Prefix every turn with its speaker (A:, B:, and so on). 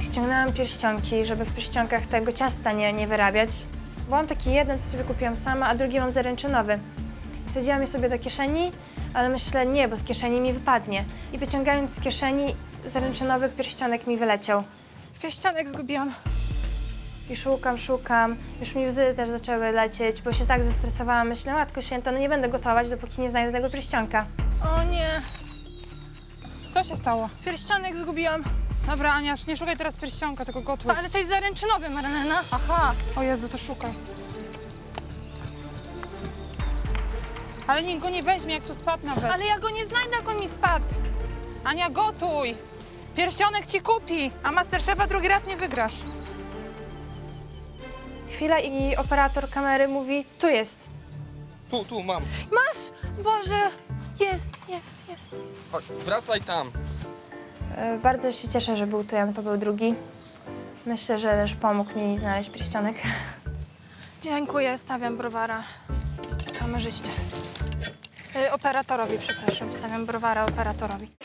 A: Ściągnęłam pierścionki, żeby w pierścionkach tego ciasta nie wyrabiać. Bo mam taki jeden, co sobie kupiłam sama, a drugi mam zaręczynowy. Wsadziłam je sobie do kieszeni, ale myślę, nie, bo z kieszeni mi wypadnie. I wyciągając z kieszeni, zaręczynowy pierścionek mi wyleciał. Pierścionek zgubiłam. I szukam. Już mi łzy też zaczęły lecieć, bo się tak zestresowałam. Myślę, Matko Święta, no nie będę gotować, dopóki nie znajdę tego pierścionka.
B: O nie,
C: Co się stało?
B: pierścionek zgubiłam.
C: Dobra, Ania, nie szukaj teraz pierścionka, tylko gotuj.
B: Ale to jest zaręczynowy, Marlena.
C: Aha, o Jezu, to szukaj. Ale nikt go nie weźmie, jak tu spadł nawet.
B: Ale ja go nie znajdę, jak on mi spadł.
C: Ania, gotuj! Pierścionek ci kupi, a Masterchefa drugi raz nie wygrasz.
A: Chwila i operator kamery mówi, tu jest.
D: Tu, mam.
B: Masz? Boże, jest.
D: Chodź, wracaj tam.
A: Bardzo się cieszę, że był tu Jan Paweł II. Myślę, że też pomógł mi znaleźć pierścionek.
B: Dziękuję, stawiam browara kamerzyście. Operatorowi, przepraszam, stawiam browara operatorowi.